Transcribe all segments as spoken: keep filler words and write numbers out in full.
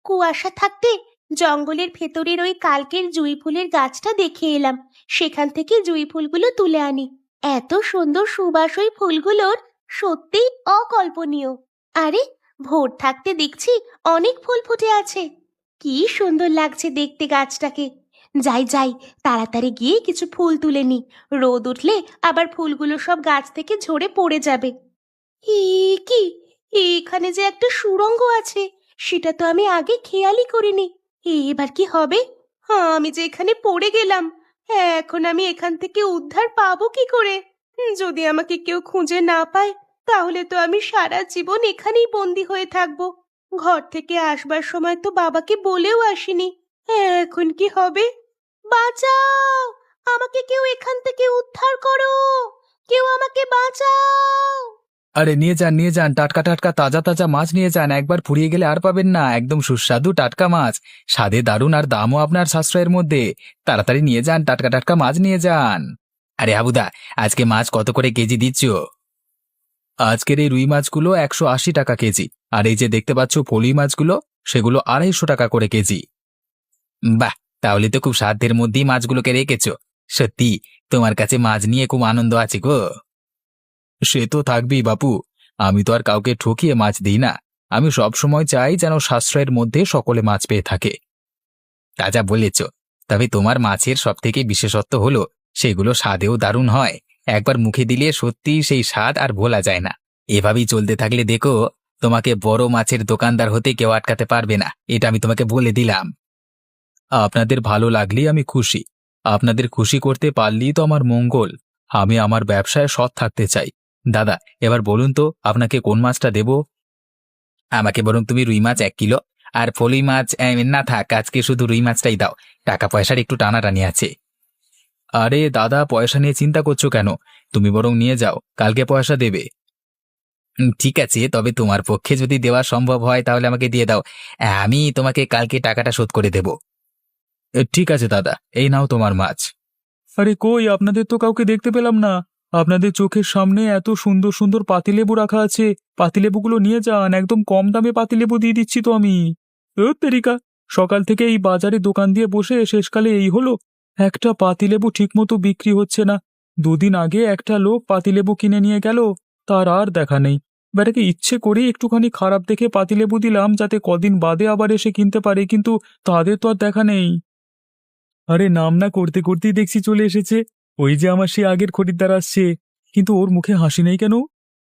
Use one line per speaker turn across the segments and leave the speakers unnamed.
কুয়াশা থাকতে জঙ্গলের ভেতরের ওই কালকের জুঁই ফুলের গাছটা দেখে এলাম। সেখান থেকে জুঁই ফুলগুলো তুলে আনি। এত সুন্দর সুবাস ওই ফুলগুলোর, সত্যিই অকল্পনীয়। আরে, ভোর থাকতে দেখছি অনেক ফুল ফুটে আছে। কি সুন্দর লাগছে দেখতে গাছটাকে। যাই যাই, তাড়াতাড়ি গিয়ে কিছু ফুল তুলে নি। রোদ উঠলে আবার ফুলগুলো সব গাছ থেকে ঝরে পড়ে যাবে। এ কি, এখানে যে একটা সুড়ঙ্গ আছে, সেটা তো আমি আগে খেয়ালই করিনি। এবার কি হবে? হ্যাঁ, আমি যে এখানে পড়ে গেলাম। এখন আমি এখান থেকে উদ্ধার পাবো কি করে? যদি আমাকে কেউ খুঁজে না পায়, তাহলে তো আমি সারা জীবন এখানেই বন্দি হয়ে থাকবো। ঘর থেকে আসবার সময় তো বাবাকে বলেও আসিনি। এখন কি হবে? বাঁচাও! আমাকে কেউ এখান থেকে উদ্ধার করো! কেউ আমাকে বাঁচাও!
আরে নিয়ে যান নিয়ে যান, টাটকা টাটকা তাজা তাজা মাছ নিয়ে যান। একবার ফুরিয়ে গেলে আর পাবেন না। একদম সুস্বাদু টাটকা মাছ, স্বাদে দারুণ আর দামও আপনার সাশ্রয়ের মধ্যে। তাড়াতাড়ি নিয়ে যান, টাটকা টাটকা মাছ নিয়ে যান। আরে হাবুদা, আজকে মাছ কত করে কেজি দিচ্ছ? আজকের এই রুই মাছগুলো একশো আশি টাকা কেজি, আর এই যে দেখতে পাচ্ছ ফলুই মাছগুলো, সেগুলো আড়াইশো টাকা করে কেজি। বাহ, তাহলে তো খুব সাধ্যের মধ্যেই মাছগুলোকে রেখেছো। সত্যি তোমার কাছে মাছ নিয়ে খুব আনন্দ আছে গো। সে তো থাকবেই বাপু, আমি তো আর কাউকে ঠকিয়ে মাছ দিই না। আমি সব সময় চাই যেন সাশ্রয়ের মধ্যে সকলে মাছ পেয়ে থাকে। তা যা বলেছ। তবে তোমার মাছের সব থেকে বিশেষত্ব হলো সেগুলো স্বাদেও দারুণ হয়। একবার মুখে দিলে সত্যি সেই স্বাদ আর ভোলা যায় না। এভাবেই চলতে থাকলে দেখো, তোমাকে বড় মাছের দোকানদার হতে কেউ আটকাতে পারবে না, এটা আমি তোমাকে বলে দিলাম। আপনাদের ভালো লাগলেই আমি খুশি। আপনাদের খুশি করতে পারলেই তো আমার মঙ্গল। আমি আমার ব্যবসায় সৎ থাকতে চাই। দাদা, এবার বলুন তো আপনাকে কোন মাছটা দেব? আমাকে বরং তুমি রুই মাছ এক কিলো, আর ফলুই মাছ এ, না থাক, আজকে শুধু রুই মাছটাই দাও। টাকা পয়সার একটু টানাটানি আছে। আরে দাদা, পয়সা নিয়ে চিন্তা করছো কেন? তুমি বরং নিয়ে যাও, কালকে পয়সা দেবে। উম, ঠিক আছে, তবে তোমার পক্ষে যদি দেওয়া সম্ভব হয় তাহলে আমাকে দিয়ে দাও। আমি তোমাকে কালকে টাকাটা শোধ করে দেব। এ, ঠিক আছে দাদা, এই নাও তোমার মাছ। আরে কই, আপনাদের তো কাউকে দেখতে পেলাম না। আপনাদের চোখের সামনে এত সুন্দর সুন্দর পাতিলেবু রাখা আছে। পাতিলেবুগুলো নিয়ে যান, একদম কম দামে পাতিলেবু দিয়ে দিচ্ছি তো আমি। ও তেরিকা, সকাল থেকে এই বাজারে দোকান দিয়ে বসে শেষকালে এই হলো, একটা পাতিলেবু ঠিকমতো বিক্রি হচ্ছে না। দুদিন আগে একটা লোক পাতিলেবু কিনে নিয়ে গেল, তার আর দেখা নেই। বেটাকে ইচ্ছে করে একটুখানি খারাপ দেখে পাতিলেবু দিলাম যাতে কদিন বাদে আবার এসে কিনতে পারে, কিন্তু তাদের তো আর দেখা নেই। আরে নাম না করতে করতেই দেখছি চলে এসেছে। ওই যে আমার সে আগের খরিদ্দার আসছে, কিন্তু ওর মুখে হাসি নেই কেন?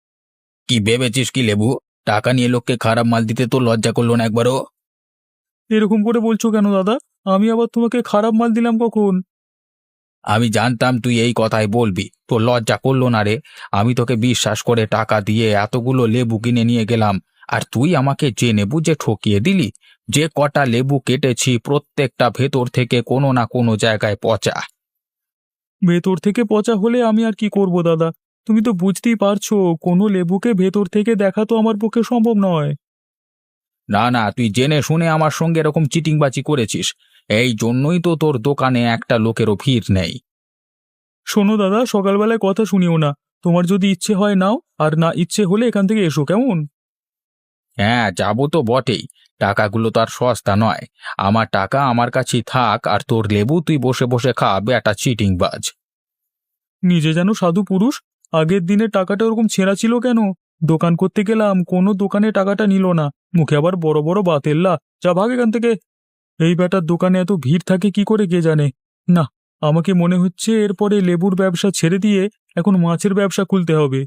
কি ভেবেছিস কি লেবু? টাকা নিয়ে লোককে খারাপ মাল দিতে তো লজ্জা করলো না একবারও? এরকম করে বলছো কেন দাদা? আমি আবার তোমাকে খারাপ মাল দিলাম কখন? আমি জানতাম তুই এই কথাই বলবি, তোর লজ্জা করলো না রে? আমি তোকে বিশ্বাস করে টাকা দিয়ে এতগুলো লেবু কিনে নিয়ে গেলাম, আর তুই আমাকে জেনে বুঝে ঠকিয়ে দিলি। যে কটা লেবু কেটেছি প্রত্যেকটা ভেতর থেকে কোনো না কোনো জায়গায় পচা। ভেতর থেকে পচা হলে আমি আর কি করব দাদা? তুমি তো বুঝতেই পারছো, কোনো লেবুকে ভেতর থেকে দেখা তো আমার পক্ষে সম্ভব নয়। না না, তুই জেনে শুনে আমার সঙ্গে এরকম চিটিংবাজি করেছিস। এই জন্যই তো তোর দোকানে একটা লোকেরও ভিড় নেই। শোনো দাদা, সকালবেলায় কথা শুনিও না। তোমার যদি ইচ্ছে হয় নাও, আর না ইচ্ছে হলে এখান থেকে এসো, কেমন? হ্যাঁ, যাবো তো বটেই। টাকাগুলো তো আর সস্তা নয়। আমার টাকা আমার কাছেই থাক, আর তোর লেবু তুই বসে বসে খা, বেটা চিটিংবাজ। নিজে যেন সাধু পুরুষ, আগের দিনে টাকাটা ওরকম ছেঁড়া ছিল কেন? দোকান করতে গেলাম, কোনো দোকানে টাকাটা নিল না, মুখে আবার বড় বড় বাতেল্লা। যা ভাগ এখান থেকে। এই বেটার দোকানে এত ভিড় থাকে কি করে কে জানে। না, আমাকে মনে হচ্ছে এরপরে লেবুর ব্যবসা ছেড়ে দিয়ে এখন মাছের ব্যবসা খুলতে হবে।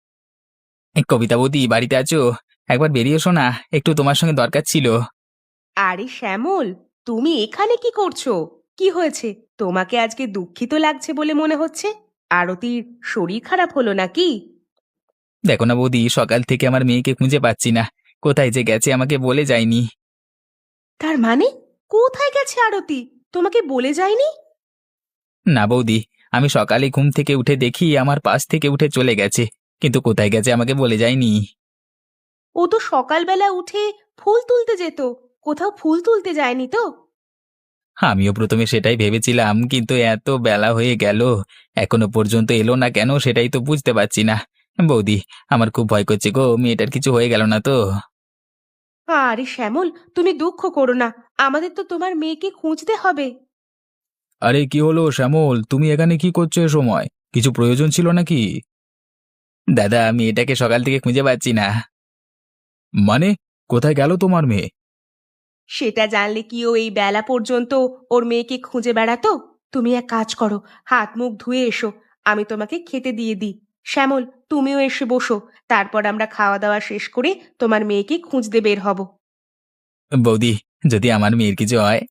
কবিতা বৌদি, বাড়িতে আছো? একবার বেরিয়ে এসো না, একটু তোমার সঙ্গে দরকার ছিল।
আরে শ্যামল, তুমি এখানে কি করছো? কি হয়েছে? তোমাকে আজকে দুঃখিত লাগছে বলে মনে হচ্ছে। আরতির শরীর খারাপ হলো নাকি?
দেখো না বৌদি, সকাল থেকে আমার মেয়েকে খুঁজে পাচ্ছি না। কোথায় যে গেছে আমাকে বলে যায়নি।
তার মানে কোথায় গেছে আরতি? তোমাকে বলে যায়নি?
না বৌদি, আমি সকালে ঘুম থেকে উঠে দেখি আমার পাশ থেকে উঠে চলে গেছে, কিন্তু কোথায় গেছে আমাকে বলে যায়নি।
ও তো সকালবেলা উঠে ফুল তুলতে যেত। কোথাও ফুল তুলতে যায়নি তো?
আমিও প্রথমে সেটাই ভেবেছিলাম, কিন্তু এত বেলা হয়ে গেল, এখনো পর্যন্ত এলো না কেন সেটাই তো বুঝতে পারছি না। বৌদি, আমার খুব ভয় করছে গো, মেয়েটার কিছু হয়ে গেল না তো?
আরে শ্যামল, তুমি দুঃখ করো না, আমাদের তো তোমার মেয়েকে খুঁজতে হবে।
আরে কি হলো শ্যামল, তুমি এখানে কি করছো এ সময়? কিছু প্রয়োজন ছিল নাকি? দাদা, আমি এটাকে সকাল থেকে খুঁজে পাচ্ছি না। মানে, কোথায় গেল তোমার মেয়ে?
সেটা জানলে কি ও এই বেলা পর্যন্ত ওর মেয়েকে খুঁজে বেড়াতো? তুমি এক কাজ করো, হাত মুখ ধুয়ে এসো, আমি তোমাকে খেতে দিয়ে দিই। শ্যামল, তুমিও এসে বসো, তারপর আমরা খাওয়া দাওয়া শেষ করে তোমার মেয়েকে খুঁজতে বের হব।
বৌদি, যদি আমার মেয়ের কিছু হয়?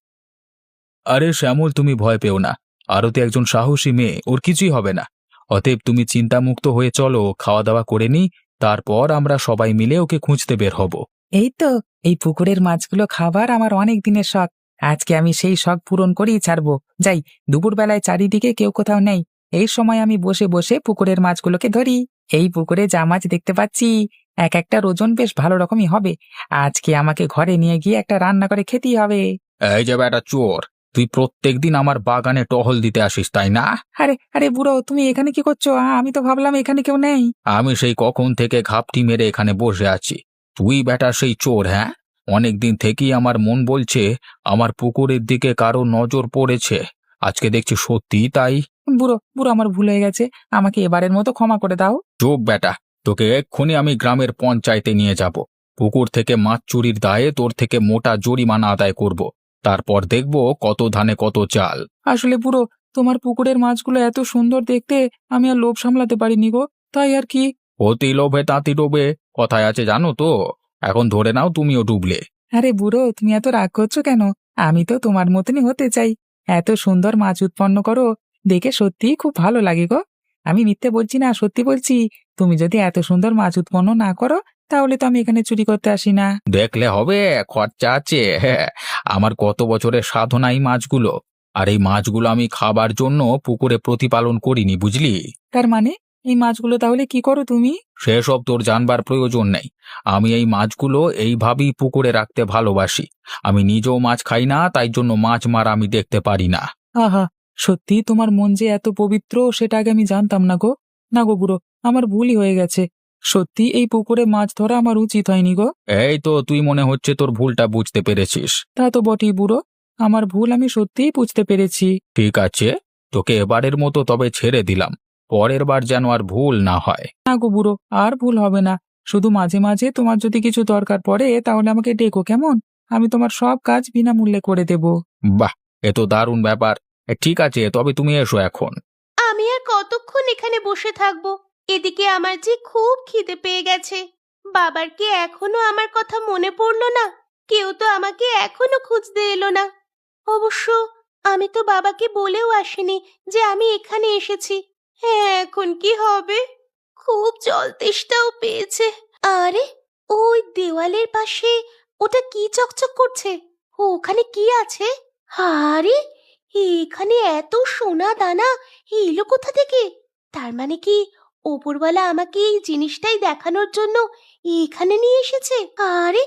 আরে শ্যামল, তুমি ভয় পেও না। আরতি একজন সাহসী মেয়ে, ওর কিছুই হবে না। অতএব তুমি চিন্তামুক্ত হয়ে চলো, খাওয়া দাওয়া করে নি, তারপর আমরা সবাই মিলে ওকে খুঁজতে বের হব। এই তো, এই পুকুরের মাছগুলো খাবার আমার অনেক দিনের শখ। আজকে আমি সেই শখ পূরণ করেই ছাড়বো। যাই, দুপুরবেলায় চারিদিকে কেউ কোথাও নেই, এই সময় আমি বসে বসে পুকুরের মাছগুলোকে ধরি। এই পুকুরে যা মাছ দেখতে পাচ্ছি, এক একটা ওজন বেশ ভালো রকমই হবে। আজকে আমাকে ঘরে নিয়ে গিয়ে একটা রান্না করে খেতেই হবে। এই যে বেটা চোর, তুই প্রত্যেকদিন আমার বাগানে টহল দিতে আসিস তাই না? আরে আরে বুড়ো, তুমি এখানে কি করছো? আ, আমি তো ভাবলাম এখানে কেউ নেই। আমি সেই কখন থেকে ঘাপটি মেরে এখানে বসে আছি। তুই বেটা সেই চোর, হ্যাঁ? অনেকদিন থেকেই আমার মন বলছে আমার পুকুরের দিকে কারো নজর পড়েছে। আজকে দেখছি সত্যি তাই। বুড়ো বুড়ো, আমার ভুল হয়ে গেছে, আমাকে এবারের মতো ক্ষমা করে দাও। চুপ বেটা, তোকে এক্ষুনি আমি গ্রামের পঞ্চায়েতে নিয়ে যাব। পুকুর থেকে মাছ চুরির দায়ে তোর থেকে মোটা জরিমানা আদায় করব। তারপর দেখব কত ধানে কত চাল। আসলে পুরো, তোমার পুকুরের মাছগুলো এত সুন্দর দেখতে, আমি আর লোভ সামলাতে পারিনি গো, তাই আর কি। অতি লোভে তাঁতি ডোবে, কথায় আছে জানো তো। এখন ধরে নাও তুমিও ডুবলে। আরে বুড়ো, তুমি এত রাগ করছো কেন? আমি তো তোমার মতনই হতে চাই। এত সুন্দর মাছ উৎপন্ন করো, দেখে সত্যিই খুব ভালো লাগে গো। আমি মিথ্যে বলছি না, সত্যি বলছি। তুমি যদি এত সুন্দর মাছ উৎপন্ন না করো, তাহলে তো আমি এখানে চুরি করতে আসি না। দেখলে হবে, খরচা আছে। আমার কত বছরের সাধনা এই মাছগুলো। আর এই মাছগুলো আমি খাবার জন্য পুকুরে প্রতিপালন করিনি, বুঝলি? তার মানে এই মাছগুলো তাহলে কি করো তুমি? সেসব তোর জানবার প্রয়োজন নেই। আমি এই মাছগুলো এইভাবেই পুকুরে রাখতে ভালোবাসি। আমি নিজেও মাছ খাই না, তাই জন্য মাছ মারা আমি দেখতে পারি না। আহা, সত্যি তোমার মন যে এত পবিত্র, সেটা আগে আমি জানতাম না গো। না গো বুড়ো, আমার ভুলই হয়ে গেছে। সত্যি এই পুকুরে মাছ ধরা আমার উচিত হয়নি গো। এই তো, তুই মনে হচ্ছে তোর ভুলটা বুঝতে পেরেছিস। তা তো বটেই বুড়ো, আমার ভুল আমি সত্যিই বুঝতে পেরেছি। ঠিক আছে, তোকে এবারের মতো তবে ছেড়ে দিলাম। পরের বার যেন আর ভুল না হয়। না গো বুড়ো, আর ভুল হবে না। শুধু মাঝে মাঝে তোমার যদি কিছু দরকার পড়ে, তাহলে আমাকে ডেকো কেমন? আমি তোমার সব কাজ বিনামূল্যে করে দেব। বাহ, এ তো দারুণ ব্যাপার। এ, ঠিক আছে, তবে তুমি এসো এখন।
আমি আর কতক্ষণ এখানে বসে থাকবো? এদিকে আমার যে খুব খিদে পেয়ে গেছে। বাবার কি এখনো আমার কথা মনে পড়লো না? কেউ তো আমাকে এখনো খুঁজতে এলো না। অবশ্য আমি তো বাবাকে বলেও আসিনি যে আমি এখানে এসেছি। হ্যাঁ, এখন কি হবে? খুব জল তেষ্টাও পেয়েছে। আরে, ওই দেওয়ালের পাশে ওটা কি চকচক করছে? ও, ওখানে কি আছে? আরে, এখানে এত সোনা দানা এলো কোথা থেকে? তার মানে কি ওপরওয়ালা আমাকে এই জিনিসটাই দেখানোর জন্য এখানে নিয়ে এসেছে? আরে,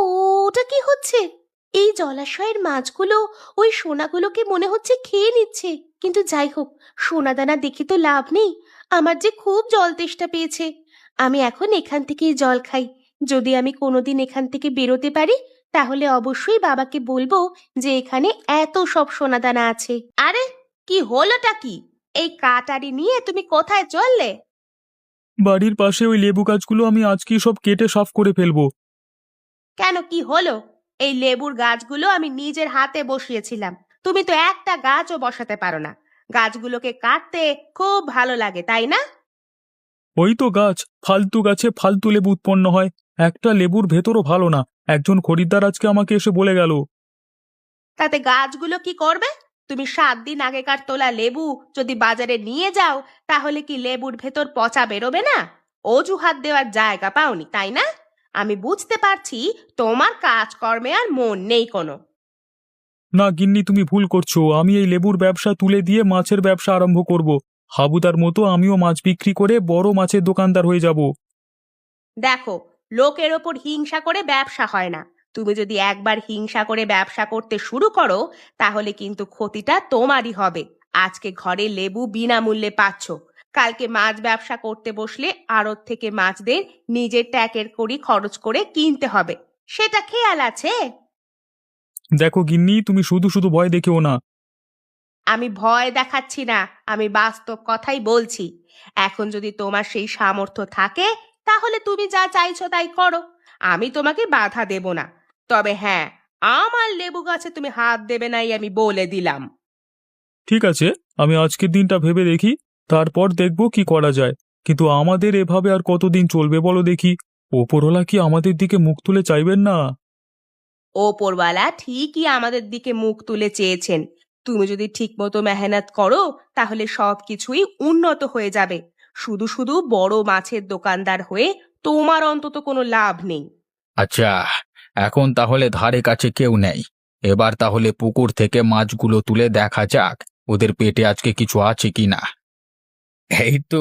ওটা কি হচ্ছে? এই জলাশয়ের মাছগুলো ওই সোনাগুলোকে মনে হচ্ছে খেয়ে নিচ্ছে। কিন্তু যাই হোক, সোনা দানা দেখে তো লাভ নেই। আমার যে খুব জল তেষ্টা পেয়েছে। আমি এখন এখান থেকেই জল খাই। যদি আমি কোনোদিন এখান থেকে বেরোতে পারি, তাহলে অবশ্যই বাবাকে বলবো যে এখানে এত সব সোনাদানা আছে। আরে, কি হলোটা কি? এই কাটারি নিয়ে তুমি কোথায় চললে?
বাড়ির পাশে ওই লেবু গাছগুলো আমি আজকেই সব কেটে সাফ করে ফেলবো।
কেন, কি হলো? এই লেবুর গাছগুলো আমি নিজের হাতে বসিয়েছিলাম। তুমি তো একটা গাছও বসাতে পারো না। গাছগুলোকে কাটতে খুব ভালো লাগে, তাই না?
ওই তো গাছ, ফালতু গাছে ফালতু লেবু উৎপন্ন হয়। একটা লেবুর ভেতরও ভালো না। একজন খরিদ্দার আজকে আমাকে এসে বলে গেল।
তাতে গাছগুলো কি করবে? তুমি সাত দিন আগেকার তোলা লেবু যদি বাজারে নিয়ে যাও, তাহলে কি লেবুর ভেতর পচা বেরোবে না? অজুহাত দেওয়ার জায়গা পাওনি, তাই না? আমি বুঝতে পারছি তোমার কাজকর্মে আর মন নেই কোনো।
না গিন্নি, তুমি ভুল করছো। আমি এই লেবুর ব্যবসা তুলে দিয়ে মাছের ব্যবসা আরম্ভ করব। হাবুদার মতো আমিও মাছ বিক্রি করে বড় মাছের দোকানদার হয়ে যাব।
দেখো, লোকের ওপর হিংসা করে ব্যবসা হয় না। তুমি যদি একবার হিংসা করে ব্যবসা করতে শুরু করো, তাহলে কিন্তু ক্ষতিটা তোমারই হবে। আজকে ঘরে লেবু বিনামূল্যে পাচ্ছ, কালকে মাছ ব্যবসা করতে বসলে আড়ত থেকে মাছদের নিজের ট্যাকের কড়ি খরচ করে কিনতে হবে। সেটা খেয়াল আছে?
দেখো গিন্নি, তুমি শুধু শুধু ভয় দেখিও না।
আমি ভয় দেখাচ্ছি না, আমি বাস্তব কথাই বলছি। এখন যদি তোমার সেই সামর্থ্য থাকে তাহলে তুমি যা চাইছো তাই করো, আমি তোমাকে বাধা দেব না। তবে হ্যাঁ, আমার লেবু গাছে তুমি হাত দেবে নাই, আমি বলে দিলাম।
ঠিক আছে, আমি আজকের দিনটা ভেবে দেখি, তারপর দেখব কি করা যায়। কিন্তু আমাদের এভাবে আর কতদিন চলবে বলো দেখি? ওপরওয়ালা কি আমাদের দিকে মুখ তুলে চাইবেন না?
ওপরওয়ালা ঠিকই আমাদের দিকে মুখ তুলে চেয়েছেন। তুমি যদি ঠিকমতো মেহনত করো তাহলে সবকিছুই উন্নত হয়ে যাবে। শুধু শুধু বড় মাছের দোকানদার হয়ে তোমার অন্তত কোনো লাভ নেই।
আচ্ছা, এখন তাহলে ধারে কাছে কেউ নেই। এবার তাহলে পুকুর থেকে মাছগুলো তুলে দেখা যাক ওদের পেটে আজকে কিছু আছে কিনা। এই তো,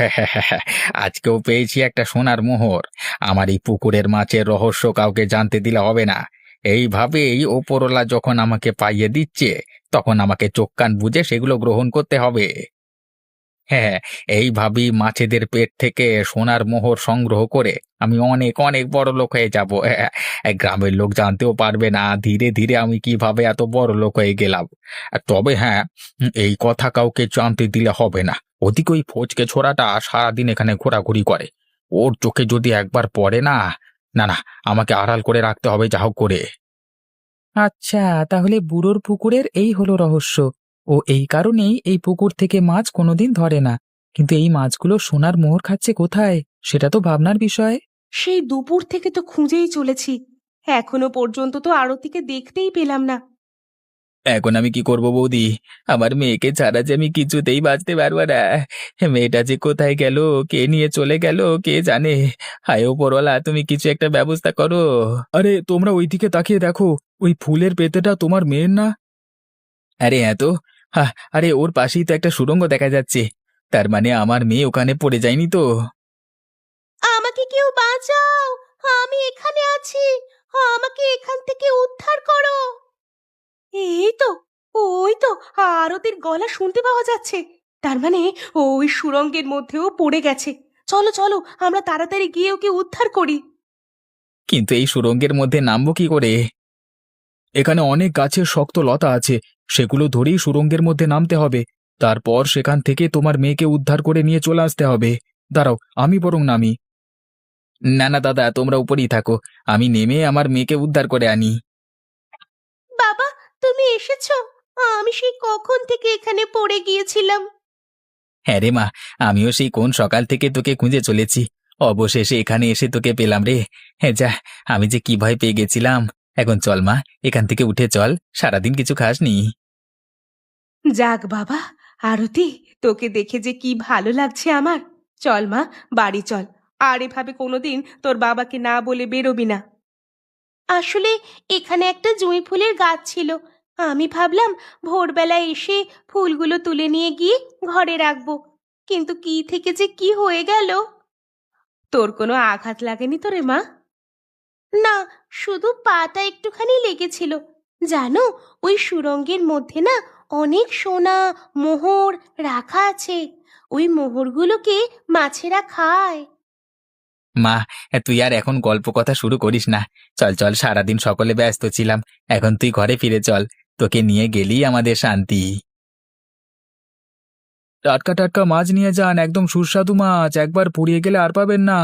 আজকেও পেয়েছি একটা সোনার মোহর। আমার এই পুকুরের মাছের রহস্য কাউকে জানতে দিলে হবে না। এইভাবেই ওপরওয়ালা যখন আমাকে পাইয়ে দিচ্ছে, তখন আমাকে চোখ কান বুজে সেগুলো গ্রহণ করতে হবে। হ্যাঁ, এইভাবেই মাছেদের পেট থেকে সোনার মোহর সংগ্রহ করে আমি অনেক অনেক বড় লোক হয়ে যাব। হ্যাঁ, গ্রামের লোক জানতেও পারবে না ধীরে ধীরে আমি কিভাবে এত বড় লোক হয়ে গেলাম। আর তবে হ্যাঁ, উম, এই কথা কাউকে জানতে দিলে হবে না। ওদিকে ওই ফচকে ছোড়াটা সারাদিন এখানে ঘোরাঘুরি করে। ওর চোখে যদি একবার পড়ে না, না না, আমাকে আড়াল করে রাখতে হবে যা হোক করে। আচ্ছা, তাহলে বুড়োর পুকুরের এই হলো রহস্য। ও এই কারণেই এই পুকুর থেকে মাছ কোনোদিন ধরে না। কিন্তু এই মাছগুলো সোনার মোহর খাচ্ছে কোথায়, সেটা তো ভাবনার বিষয়।
সেই দুপুর থেকে তো খুঁজেই চলেছি, এখনো পর্যন্ত তো আরতিকে দেখতেই পেলাম না।
এখন আমি কি করব বৌদি? আমার মেয়েকে ছাড়া যে আমি কিছুতেই বাঁচতে পারবো না। মেয়েটা যে কোথায় গেল, কে নিয়ে চলে গেল কে জানে। হায় ওপরওয়ালা, তুমি কিছু একটা ব্যবস্থা করো। আরে তোমরা ওইদিকে তাকিয়ে দেখো, ওই ফুলের পেতেটা তোমার মেয়ের না? আরে হ্যাঁ তো। হা, আরে ওর পাশেই তো একটা সুড়ঙ্গ দেখা যাচ্ছে। তার মানে আমার মেয়ে ওখানে পড়ে যায়নি তো?
আমাকে কেউ বাঁচাও, আমি এখানে আছি, আমাকে এখান থেকে উদ্ধার করো। এই তো, ওই তো, আরতির গলা শুনতে পাওয়া যাচ্ছে। তার মানে ওই সুড়ঙ্গের মধ্যেও পড়ে গেছে। চলো চলো, আমরা তাড়াতাড়ি গিয়ে ওকে উদ্ধার করি।
কিন্তু এই সুড়ঙ্গের মধ্যে নামবো কি করে? এখানে অনেক গাছের শক্ত লতা আছে, সেগুলো ধরেই সুড়ঙ্গের মধ্যে নামতে হবে। তারপর সেখান থেকে তোমার মেয়েকে উদ্ধার করে নিয়ে চলে আসতে হবে। দাঁড়াও, আমি বরং নামি। না না দাদা, তোমরা উপরেই থাকো, আমি নেমে আমার মেয়েকে উদ্ধার করে আনি।
বাবা, তুমি এসেছো? আমি সেই কখন থেকে এখানে পড়ে গিয়েছিলাম।
হ্যাঁ রে মা, আমিও সেই কোন সকাল থেকে তোকে খুঁজে চলেছি। অবশেষে এখানে এসে তোকে পেলাম রে। হ্যাঁ যা, আমি যে কি ভয় পেয়ে গেছিলাম। এখন চল মা, এখান থেকে উঠে চল, সারাদিন কিছু খাসনি।
যাক বাবা, আরতি, তোকে দেখে যে কি ভালো লাগছে আমার। চল মা, বাড়ি চল। আর এভাবে কোনোদিন তোর বাবাকে না বলে বেরোবি না। আসলে এখানে একটা জুঁই ফুলের গাছ ছিল, আমি ভাবলাম ভোরবেলায় এসে ফুলগুলো তুলে নিয়ে গিয়ে ঘরে রাখবো, কিন্তু কি থেকে যে কি হয়ে গেল। তোর কোনো আঘাত লাগেনি তো রে মা? না, শুধু পাটা একটুখানি লেগেছিল। জানো, ওই সুড়ঙ্গের মধ্যে না অনেক সোনা মোহর রাখা আছে। ওই মোহরগুলোকে মাছেরা খায়।
মা, তুই আর এখন গল্প কথা শুরু করিস না। চল চল, সারাদিন সকলে ব্যস্ত ছিলাম। এখন তুই ঘরে ফিরে চল, তোকে নিয়ে গেলেই আমাদের শান্তি। টাটকা টাটকা মাছ নিয়ে যান, একদম সুস্বাদু মাছ, একবার পুড়িয়ে গেলে আর পাবেন না।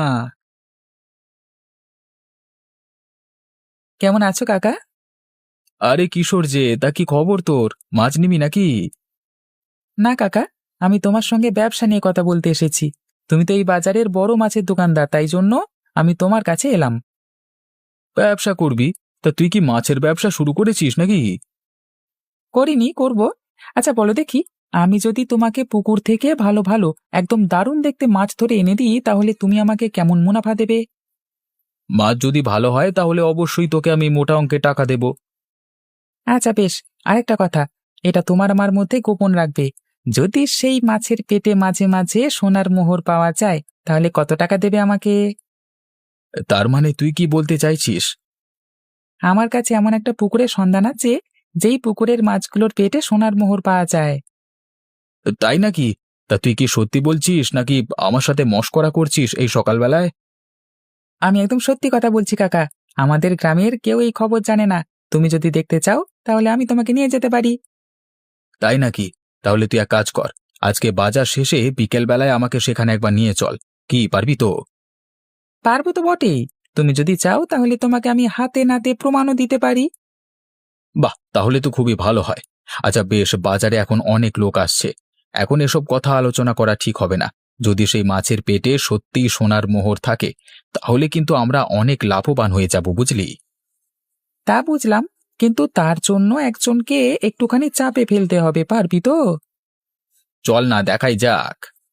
কেমন আছো কাকা? আরে কিশোর যে, তা কি খবর তোর? মাছ নিবি নাকি? না কাকা, আমি তোমার সঙ্গে ব্যবসা নিয়ে কথা বলতে এসেছি। তুমি তো এই বাজারের বড় মাছের দোকানদার, তাই জন্য আমি তোমার কাছে এলাম। ব্যবসা করবি? তা তুই কি মাছের ব্যবসা শুরু করেছিস নাকি? করিনি, করব। আচ্ছা বলো দেখি, আমি যদি তোমাকে পুকুর থেকে ভালো ভালো একদম দারুণ দেখতে মাছ ধরে এনে দিই, তাহলে তুমি আমাকে কেমন মুনাফা দেবে? মাছ যদি ভালো হয় তাহলে অবশ্যই তোকে আমি মোটা অঙ্কের টাকা দেব। আচ্ছা বেশ, আরেকটা কথা, এটা তোমার আমার মধ্যে গোপন রাখবে। যদি সেই মাছের পেটে মাঝে মাঝে সোনার মোহর পাওয়া যায়, তাহলে কত টাকা দেবে আমাকে? তার মানে তুই কি বলতে চাইছিস? আমার কাছে এমন একটা পুকুরের সন্ধান আছে, যেই পুকুরের মাছগুলোর পেটে সোনার মোহর পাওয়া যায়। তাই নাকি? তা তুই কি সত্যি বলছিস নাকি আমার সাথে মশকরা করছিস এই সকালবেলায়? আমি একদম সত্যি কথা বলছি কাকা। আমাদের গ্রামের কেউ এই খবর জানে না। তুমি যদি দেখতে চাও তাহলে আমি তোমাকে নিয়ে যেতে পারি। তাই নাকি? তাহলে তুই এক কাজ কর, আজকে বাজার শেষে বিকেল বেলায় আমাকে সেখানে একবার নিয়ে চল। কি পারবি তো? পারবো তো বটেই। তুমি যদি চাও তাহলে তোমাকে আমি হাতে নাতে প্রমাণও দিতে পারি। বাহ, তাহলে তো খুবই ভালো হয়। আচ্ছা বেশ, বাজারে এখন অনেক লোক আসছে, এখন এসব কথা আলোচনা করা ঠিক হবে না। যদি সেই মাছের পেটে সত্যিই সোনার মোহর থাকে, তাহলে কিন্তু আমরা অনেক লাভবান হয়ে যাব, বুঝলি? তা বুঝলাম, কিন্তু তার জন্য একজনকে একটুখানি চাপে ফেলতে হবে, পারবি তো? চল না, দেখাই যাক।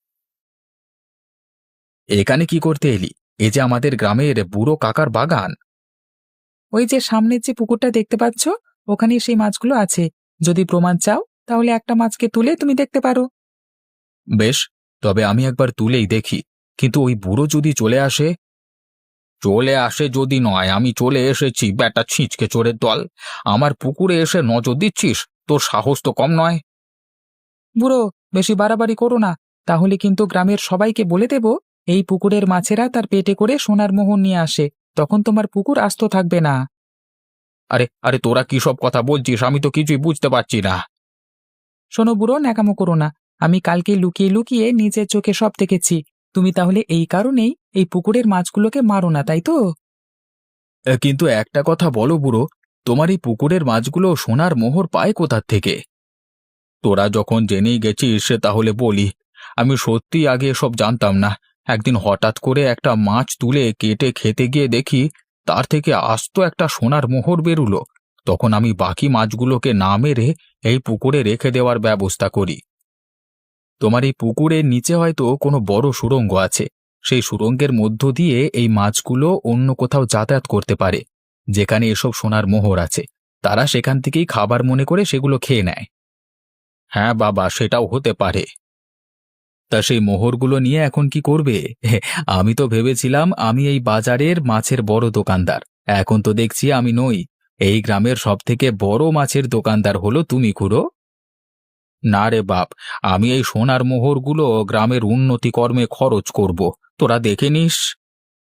এখানে কি করতে এলি? এই যে আমাদের গ্রামের বুড়ো কাকার বাগান। ওই যে সামনের যে পুকুরটা দেখতে পাচ্ছ, ওখানে সেই মাছগুলো আছে। যদি প্রমাণ চাও তাহলে একটা মাছকে তুলে তুমি দেখতে পারো। বেশ, তবে আমি একবার তুলেই দেখি। কিন্তু ওই বুড়ো যদি চলে আসে? চলে আসে যদি নয়, আমি চলে এসেছি, ব্যাটা ছিঁচকে চোরের দল। আমার পুকুরে এসে নজর দিচ্ছিস? তোর সাহস তো কম নয়। বুড়ো, বেশি বাড়াবাড়ি করো না, তাহলে কিন্তু গ্রামের সবাইকে বলে দেব এই পুকুরের মাছেরা তার পেটে করে সোনার মোহর নিয়ে আসে। তখন তোমার পুকুর আস্ত থাকবে না। আরে আরে তোরা কি সব কথা বলছিস? আমি তো কিছুই বুঝতে পারছি না। শোনো বুড়ো, ন্যাকামো করো না। আমি কালকে লুকিয়ে লুকিয়ে নিজের চোখে সব দেখেছি। তুমি তাহলে এই কারণেই এই পুকুরের মাছগুলোকে মারো না, তাই তো? এ, কিন্তু একটা কথা বলো বুড়ো, তোমার এই পুকুরের মাছগুলো সোনার মোহর পায় কোথা থেকে? তোরা যখন জেনেই গেছিস তাহলে বলি, আমি সত্যি আগে এসব জানতাম না। একদিন হঠাৎ করে একটা মাছ তুলে কেটে খেতে গিয়ে দেখি তার থেকে আস্ত একটা সোনার মোহর বেরুলো। তখন আমি বাকি মাছগুলোকে না মেরে এই পুকুরে রেখে দেওয়ার ব্যবস্থা করি। তোমার এই পুকুরের নিচে হয়তো কোনো বড় সুড়ঙ্গ আছে। সেই সুড়ঙ্গের মধ্য দিয়ে এই মাছগুলো অন্য কোথাও যাতায়াত করতে পারে, যেখানে এসব সোনার মোহর আছে। তারা সেখান থেকেই খাবার মনে করে সেগুলো খেয়ে নেয়। হ্যাঁ বাবা, সেটাও হতে পারে। তা সেই মোহরগুলো নিয়ে এখন কি করবে? আমি তো ভেবেছিলাম আমি এই বাজারের মাছের বড় দোকানদার। এখন তো দেখছি আমি নই। এই গ্রামের সবথেকে বড় মাছের দোকানদার হলো তুমি, খুড়ো। না রে বাপ, আমি এই সোনার মোহরগুলো গ্রামের উন্নতি কর্মে খরচ করব। তোরা দেখে নিস।